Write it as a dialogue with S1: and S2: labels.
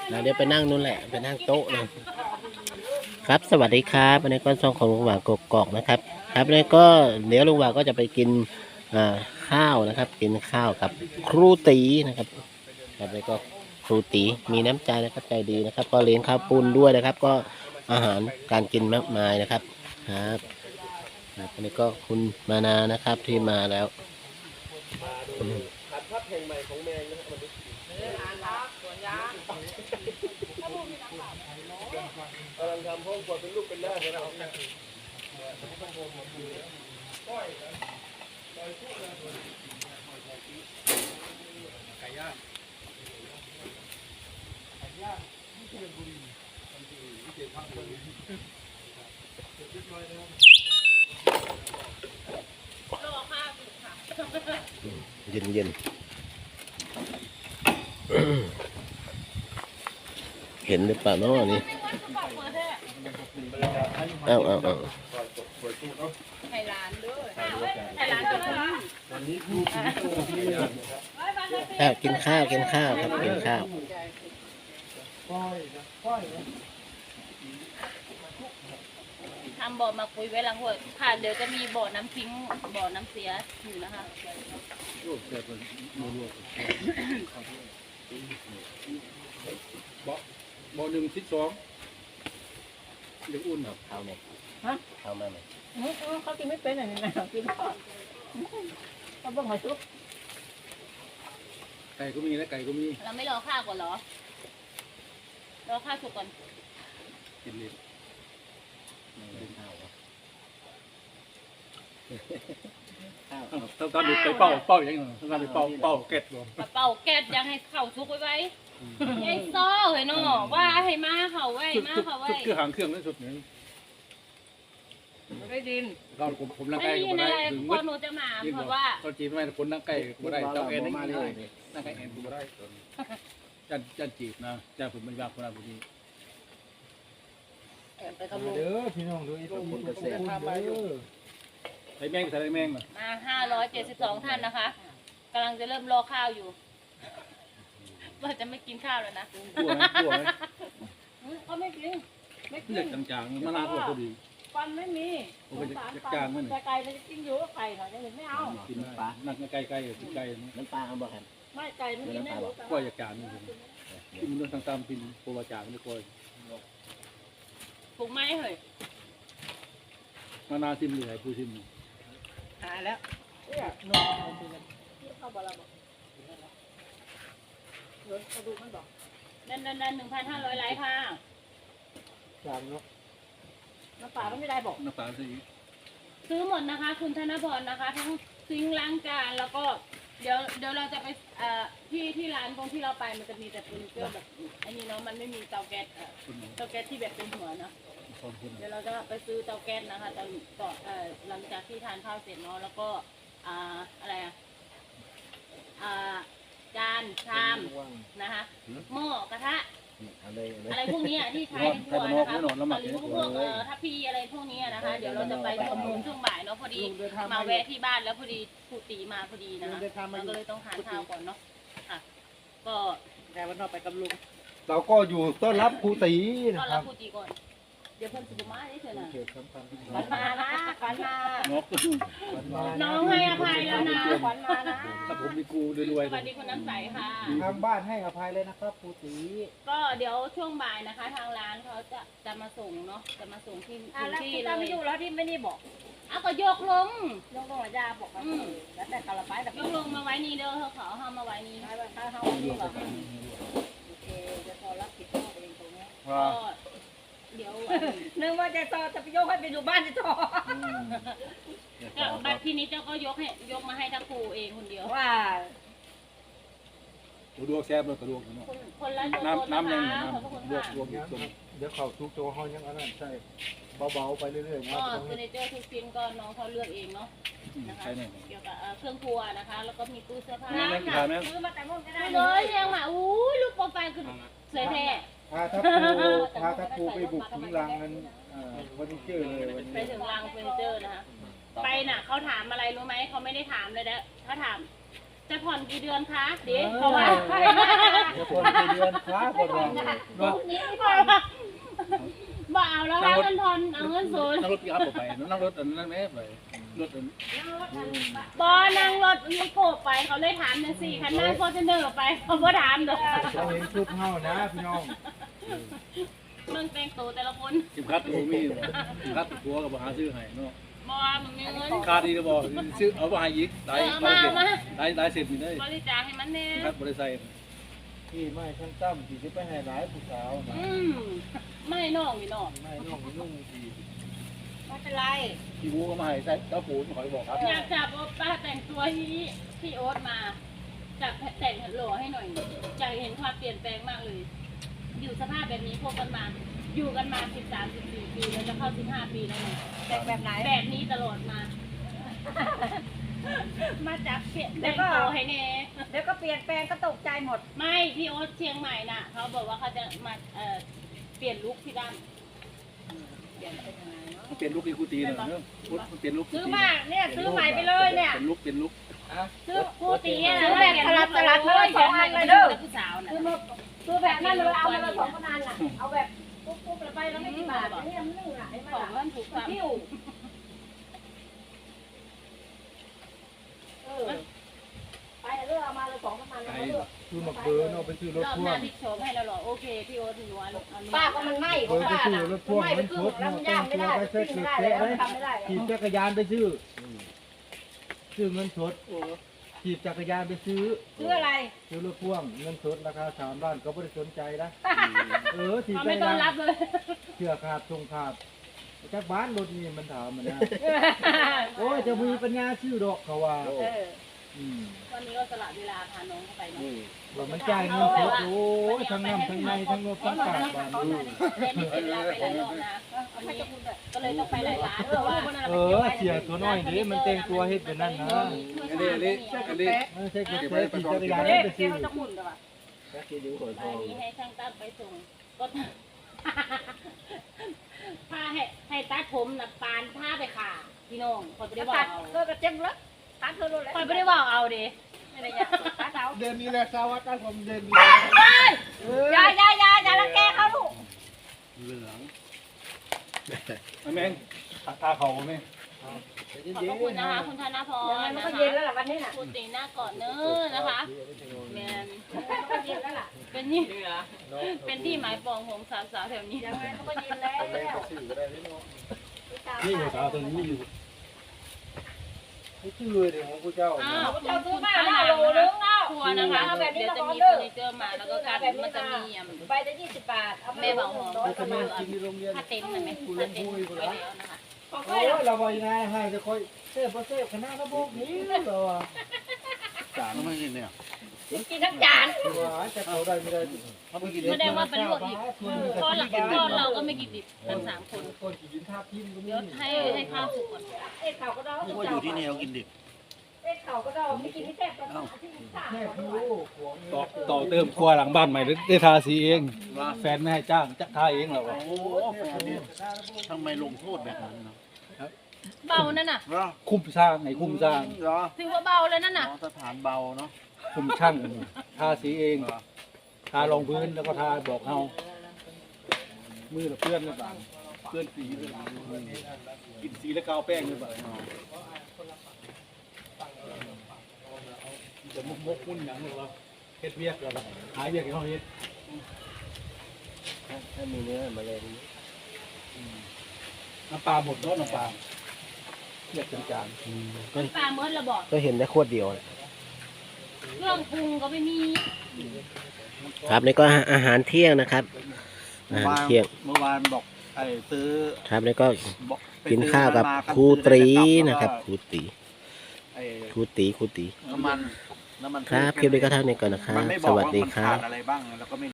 S1: เดี๋ยวไปนั่งนู่นแหละไปนั่งโต๊ะเลยครับสวัสดีครับวันนี้ก็ช่องของลุงหว่างกกอกนะครับครับวันนี้ก็เดี๋ยวลุงหว่างก็จะไปกินข้าวนะครับ กินข้าวกับครูตีนะครับครับแล้วก็ครูตีมีน้ำใจนะครับใจดีนะครับ ก็เลี้ยงข้าวปุ้นด้วยนะครับ ก็อาหารการกินมากมายนะครับครับวันนี้ก็คุณมานานะครับที่มาแล้วผัดพัดแห่งใหม่ของแมงนะครับกำลังทำห้องครัวเป็นลูกเป็นหน้าเลยนะครับไก่ย่างไก่ย่างที่เชียงบุรีที่เชียงพักเลยเย็นเย็นเห็นหรือเปล่าเนาะนี่เอา
S2: ไทยร้านด้วยไทยร้านด้วยวันนี้
S1: กินข้าวครับกินข้าว
S2: ทำบ่อมาคุยไว้หลังหัวค่ะเดี๋ยวจะมีบ่อน้ำทิ้งบ่อน้ำเสียอยู่นะคะ
S3: บ่หนึ่งทิศสองเดี๋ยวอุ่นครับ
S1: ข้าวเนี่ยข้าวมาไหม
S4: เขากินไม่เป็นอะไรนะกินข้าวเขาบอกมาซุป
S3: ไก่ก็มีและไก่ก็มี
S2: เราไม่รอข้าวก่อนเหรอรอข้าวสุกก่อน
S3: กินเลยต้องการไปเป้าอย่างเงี้ยต้องการไปเป้าเก็ดบ่
S2: เป่าแก๊สยังให้เข่าสุกไว้ไอ้ซ้อเห็นเนาะว่าให้มาเขาไว้มาเขาไว้
S3: คือหางเครื่องนั่นสุดหนึ่ง
S4: ไม่ดิน
S3: เราผมนั่งไก่ก็ได้ถึง
S2: พอหนูจะมาเพราะว่า
S3: เขาจีบไม่คนนั่งไก่ก็ได้เจ้าเอ็นนั่งได้นั่งไก่เอ็นก็ได้จันจีบนะจ้าผมไม่ยากคนละบุรี
S4: ไปกับลุงเด้อพี่น้องดูไอ้ตัวคนเกษตรทำไปอยู่
S3: ใส่แมงใส่แมง
S2: มา572ท่านนะคะกำลังจะเริ่มรอข้าวอยู่ว่าจะไม่กินข้าวแล้วนะ
S3: กลัวไหม
S2: เขาไม่กิน
S3: เลือดจางๆมะนาวพอดี
S4: ฟันไม่มี
S3: จางมัน
S4: ไก่มันจะกินอยู่ก็ไก่หน่อยจะไม่เอา
S3: กินปลานั่งไก่กินไก่
S1: น้ำปลาเอาบ่ครับ
S4: ไม่ไก่ไม่กินได้
S3: ก็อยากจางนี่มันเรื่องตามกินโปรวาจางนี่ก็
S2: ปลูกไม้เหรอ
S3: มะนาวซิมเหลือผู้ซิม
S4: หายแล้วเนี่ยนมเข้าบาลาบอกรถกระดูกมันบอก
S2: ดัน1,500 ไลค์ค่ะ
S4: จามเนาะน้ำปลาไม่ได้บอก
S3: น้ำปลา
S2: ซื้อหมดนะคะคุณธนพรนะคะทั้งซิงล้างจานแล้วก็เดี๋ยวเราจะไปที่ร้านตรงที่เราไปมันจะมีแต่เฟอร์นิเจอร์แบบอันนี้เนาะมันไม่มีเตาแก๊สที่แบบเป็นหัวเนาะเดี๋ยวเราจะไปซื้อเตาแก๊สนะคะตอนหลังจากที่ทานข้าวเสร็จเนาะแล้วก็อะไรจานชามนะคะหม้อกระทะอะไรพวกนี้ที่ใช้ในครัวนะคะหรือพวกทัพพีอะไรพวกนี้นะคะเดี๋ยวเราจะไปชมนุมช่วงบ่ายเนาะพอดีมาแวะที่บ้านแล้วพอดีครูตีมาพอดีนะคะเราก็เลยต้องทานข้าวก่อนเนาะค่ะก็
S4: แต่วันนอกไปกับลุง
S3: เราก็อยู่ต้อนรับครูตี
S2: ต้อนรับครูตีก่อนเดี๋ยวเพิ่นสุมาได้เถอะนะขวัญมานะขวัญมาน้องให้อภัยแล้วนะขวัญมานะ
S3: ถ้าผมมีกูรวย
S2: สวัสดีคุณน้ำใสค่ะ
S4: ทางบ้านให้อภัยเลยนะครับครูตี
S2: ก็เดี๋ยวช่วงบ่ายนะคะทางร้านเขาจะมาส่งเนาะจะมาส่งที่ที่เลย
S4: ไม่อยู่แล้วที่ไม่ได้บอก
S2: ก็ยกลง
S4: ระยาบอกแล้วแต่กระไปแต่
S2: ยกลงมาไว้นี่เด้อเขาเอามาไว้นี่
S4: ถ้าเขาอยู่หรอโอเคจะพอรับผิดชอบเองตรงนี้
S2: เดี๋ยว
S4: นึกว่าจะต่อจะไปยกให้ไปอยู่บ้านจะต่อ
S2: บัตรที่นี้เจ้าก็ยกมาให้ทั้งครูเองคนเดียว
S4: ว่า
S3: ดวงแซ่บเลยกระดวง
S2: คนละ
S3: น้ำยัง
S4: ดวงเดี๋ยวเขาทุกตัวเขายังอันนั้นใช่เบาๆไปเรื่อยๆ
S2: ก็เฟอร์นิเจอร์ทุกชิ้นก็น้องเขาเลือกเองเนาะนะคะเกี่ยวกับเครื่องครัวนะคะแล้วก็มีตู้เสื้อผ้า
S4: ซื้อมาแต่มุ่งก็ได้
S2: เลยยังมาอู้ลูกโปรไฟล์คือสวยแท้
S4: ถ้าครูไปบุกถึงรังนั้นเฟอร์นิเจอร์เลย
S2: ไปถึงรังเฟอร์นิเจอร์นะคะไปน่ะเขาถามอะไรรู้ไหมเขาไม่ได้ถามเลยนะเขาถามจะผ่อนกี่เดือนคะเด็กเพราะว่า
S4: จะคนไปเดือนค้าก็รอเนาะ
S2: บ่เอาแล้วว่าเงินทอนเอาเงินศูนย์
S3: นั่งรถปิกอัพออกไปนั่งรถอันนั้นแม่ไปรถอัน
S2: บ่นั่งรถมีโกไปเขาเลยถามจังซี่คันนั่งฟอร์จูเนอร์ไปเขาบ่ถามดอก
S4: เราเห็นชุดเฮานะพี่น้อง
S2: มึงแต่งตัวแต่ละคน
S3: กิมคัดตัวมีกิมคัดตัวกับหาซื้อให้เนาะ
S2: บ่มึงมีเงิน
S3: คาดีจะบอกซื้อเอาไปให้อีกได้เสร็จมีได้
S2: บริจาคให้มันแน่
S3: คัดบริษัท
S4: ที่ไม่ขั้นต่ำที่จะไปให้หลายผู้สาวนะ
S2: ไม่น้องนี่น้อง
S4: ไม่น้องนุ่งดี
S2: ไม่เป็นไร
S3: พี่บูก็มาให้ใส่เจ้าปูนขอยบอกครับ
S2: อยากจับป้าแต่งตัวที่โอ๊ตมาจับแต่งหล่อให้หน่อยอยากเห็นความเปลี่ยนแปลงมากเลย อยู่สภาพแบบนี้พวกกันมาอยู่กันมา13-14 ปีแล้วจะเข้า15 ปีแล้วเนี่ยแต่งแบบไหนแบบนี้ตลอดมา มาจับเปลี่ยนแต่งตัวให้แน่
S5: เดี๋ยวก็เปลี่ยนแปลงก็ตกใจหมด
S2: ไม่พี่โอ๊ตเชียงใหม่น่ะเขาบอกว่าเขาจะมาเปลี่ยนลุคพี่ดำ
S3: เปลี่ยนลุกอีกูตีเลยเนาะเปลี่ยนลุก
S5: ซื้อมาเนี่ยซื้อใหม่ไปเลยเนี่ย
S3: เป็นลุกเป็นลุก
S2: ซื้อคู่ตีอะ
S5: ซื้อแบบสลัดเลย2 อันเลยเด้อ
S2: ผู้สาวน่ะ
S5: ซื้อแบบนั้นเลยเอามาเลย2 อันน่ะเอาแบบปุ๊บๆไปแล้วไม่กี่บาทเนี่ยมันนึ่งอ่ะไอ้
S2: ของ
S5: มัน
S2: มันถูกความ
S5: หิ้วไปเลือกเอามาเลย2 อันเลยเลือก
S4: คือมาเบอร์เนาะไปซื้อรถ
S2: รอบ
S4: พ่
S2: ห
S4: ว
S2: น้าง พี่โฉมให้เราหรอโอเคพี่โอ๊ตหนูอันนี้
S5: ป้าก็มันไหม้ข
S4: เบ
S5: อ
S4: อง ร์ไป
S5: ป้า
S4: ซื้อ
S5: น่ะ
S4: รถพ่วง
S5: ไหม้ไป
S4: มัน
S5: ครึ่
S4: ช
S5: ง
S4: ด
S5: แล้ว
S4: เนาะ
S5: มัน
S4: แต่
S5: ย่าง
S4: ง
S5: ไม่
S4: ตัว
S5: ได้
S4: ไปเซ็ต
S5: ปิ้ง
S4: เล็
S5: ไม่
S4: ก
S5: ได้
S4: ๆเลย
S5: ทำไม่ได้
S4: ขี่จักรยานไปซื้อเงินสดขี่จักรยานไปซื้อ
S5: ซื้ออะไร
S4: ซื้อรถพ่วงเงินสดราคา3 ล้านก็ไม่ได้สนใจนะขี่
S2: เขา
S4: จั
S2: ไม่
S4: กร
S2: ต้อน
S4: ยาน
S2: รับเลย
S4: เชื่อขาดทรงขาดจากบ้านรถนี่มันถามมันนะโอ้ยจะมีปัญญาชื่อดอกเขาว่า
S2: วันนี้ก็สละเวลาพาน้องเข้าไปเนาะ
S4: ว่ามันจ่ายเงินสดโอ้ยทั้งน้ำทั้งในทั้งรถทั้งกาดบ้านดู
S2: เล่นไม่เสียเวลาไปหลายรอบนะก็เลยต้องไปหลายร้านเพราะว่า
S4: เสียตัวน้อยเด้มันแต่งตัวเฮ็ดเป็นนั่นนะ
S3: อันนี้
S4: ไม่ใช่กระเทยขี่จักรยานไม่ไปซื้อ
S5: จะหมุนเหรอ
S2: อันนี้ให้ช่างตั้มไปส่งก็พาให้ตัดผมนะปานผ้าไปขาพี่น้องคอยไม่ได้บอ
S5: ตั
S2: ก
S5: ด
S2: เอา
S5: ก็กระเจ็บแล้วตัดเธอรู้แล้ว
S2: คอยไม่ได้บอกเอาดิ
S5: ไม่ได้ยาตัดเอา
S4: เดือนนี้แหละสวัสดิ์ผมเดือนนี้
S5: อย่าละแกเขาลูก
S3: เหลืองแม่งตาเขาไหม
S2: ขอบพระคุณนะคะคุณธนพร
S5: มัน
S2: นะ
S5: ก็
S2: คะ
S5: เย็นแล้วล่ะวันนี้น่ะ
S2: คุณตีหน้าก่อนเน้อนะคะแมน
S5: มันก็เย็นแล้วล่ะ
S2: เป็นนี่เป็นที่หมายปองของสาวๆแถวนี้
S5: ยังไงมันก็เย็นแล้ว
S3: นี่หัวสาวตัวนี้อยู่
S4: ไม่ชื่อเลยเดี๋ยวของพระเจ้า
S2: อ้าว
S5: เจ้าซื้อมาหน้าโลนึงเอา
S2: ครัวนะคะ
S5: แบบนี้
S2: เดี๋ยว
S5: เรา
S2: จะ
S5: ก็
S2: มี
S5: เลิ
S2: เฟอก ร์นิเจอร์มาแล้วก็การมันจะมี
S5: ใบละ20 บาทเอา
S2: แม่บอกหอม
S4: ก็แม่กินที่โรงเรียน
S2: ถ้าเต็นท์มันไหมถ้าเต็นท์ไว้แล้วนะคะ
S4: โอ้ยเราบอกยังไงให้จะคอยเซ่บเซ่บคณะระบบนี้เหรอ
S3: จานไม่กินเนี่ย
S5: กินทั้งจาน
S4: ว่าจะเขาได้ไม่ได้
S3: เขาไม่กิน
S2: แสดงว่าเป็นลวกอีกเพราะเราก็ไม่กินดิบทั้ง3 คน
S4: คนกินท่าพิมพ์ก็มี
S2: เดี๋ยวให้ข้าวสุกก่อน
S5: เอ็ดเข่าก็ได้
S3: ว่าอยู่ที่นี่เรากินดิบ
S5: เอ็ดเข่าก็ได้ไม่กินไม่แซ่บก็ได้ที่สาม
S4: แม่พี่
S3: ต่อเติมครัวหลังบ้านใหม่ได้ทาสีเองแฟนไม่ให้จ้างจะทาเองเหรอ
S6: โอ้โหแฟนเนี่ยทำไมลงโทษแบบนั้นเนาะ
S2: เบานั่นน่ะ
S6: เหรอ
S3: คุ้มสร้างไงคุ้มสร้าง
S6: เหรอ
S2: ถือว่าเบาเลยนั่นน่ะ
S6: อ๋อสถานเบาเนาะ
S3: คุ้มช่างทาสีเองทารองพื้นแล้วก็ทาบอกเฮามือละเพื่อนหรือเปล่าเพื่อนสีหรือเปล่ากินสีแล้วกาวแป้งหรือเปล่าจะมุกมุ่นอย่างหนึ่งวะเฮ็ดเวียกแล้วหายเวียกให้เขาเฮ็ด
S1: ถ้ามีเนื้อมาเลย
S3: น้ำปลาหมดเนาะน้ำปลาเรียกจาน
S2: ปลาเมิดระบอก
S1: ก็เห็นได้ขวดเดียว
S2: เครื่องปรุงก็ไม่มี
S1: ครับนี่ก็อาหารเที่ยงนะครับอาหารเที่ยง
S6: เมื่อวานบอกไอ้ซื้อ
S1: ครับแล้วก็
S6: บอกไป
S1: กินข้าวกับ
S6: ซื้อม
S1: ครูตรีนะครับ
S6: แล้ว
S1: ครูตี
S6: ไอ้
S1: ครูตี
S6: น้ำมัน
S1: ครับคลิปนี้ก็เท่านี้ก่อนนะครับ
S6: มันไม่บ
S1: ส
S6: อก
S1: วัส
S6: ว่า
S1: ดี
S6: มัน
S1: ครั
S6: ขา
S1: บ
S6: ดอะไรบ้างแล้วก็ไม่